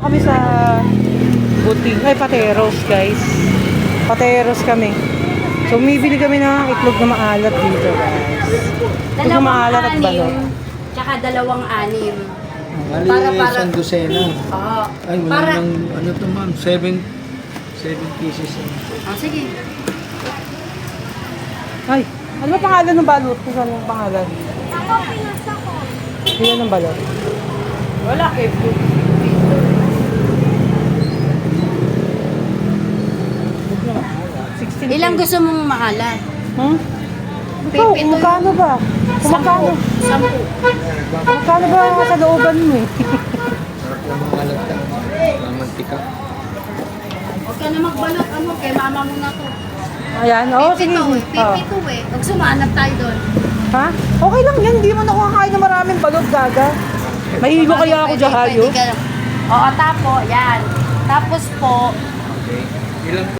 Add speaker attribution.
Speaker 1: Kami sa buting, ay Pateros guys. Pateros kami. So umibili kami ng itlog na maalat dito guys. Itlog na maalat at balot.
Speaker 2: Tsaka 2 anim.
Speaker 3: Bali,
Speaker 2: Para-
Speaker 3: isang dosena.
Speaker 2: Oo.
Speaker 3: Ay, wala
Speaker 2: Para-
Speaker 3: nang, ano to ma'am, 7 pieces.
Speaker 2: Oh, sige.
Speaker 1: Ay, ano ba pangalan ng balot? Kung saan yung pangalan?
Speaker 4: Ako, pinasa ko.
Speaker 1: Ilan ng balot?
Speaker 2: Wala kay Blue. Ilang gusto mong maalat?
Speaker 1: Hmm? Ikaw,
Speaker 2: Pipito
Speaker 1: kumagkano ba? Kumagkano?
Speaker 2: 10.
Speaker 1: Kumagkano ba sa looban mo eh?
Speaker 3: Sarap lang mga alata. Mga mantika.
Speaker 2: Huwag ka na magbalot. Ano, kay mama mo na to.
Speaker 1: Ayan, oo, sige.
Speaker 2: Pipito eh.
Speaker 1: Oh.
Speaker 2: Pipito eh. Huwag sumanap tayo doon.
Speaker 1: Ha? Okay lang yan, hindi mo na kakain ng maraming balot, gaga. Mahilo kaya ako dyan, hayo.
Speaker 2: Oo, tapo. Yan. Tapos po,
Speaker 3: Okay. Ilang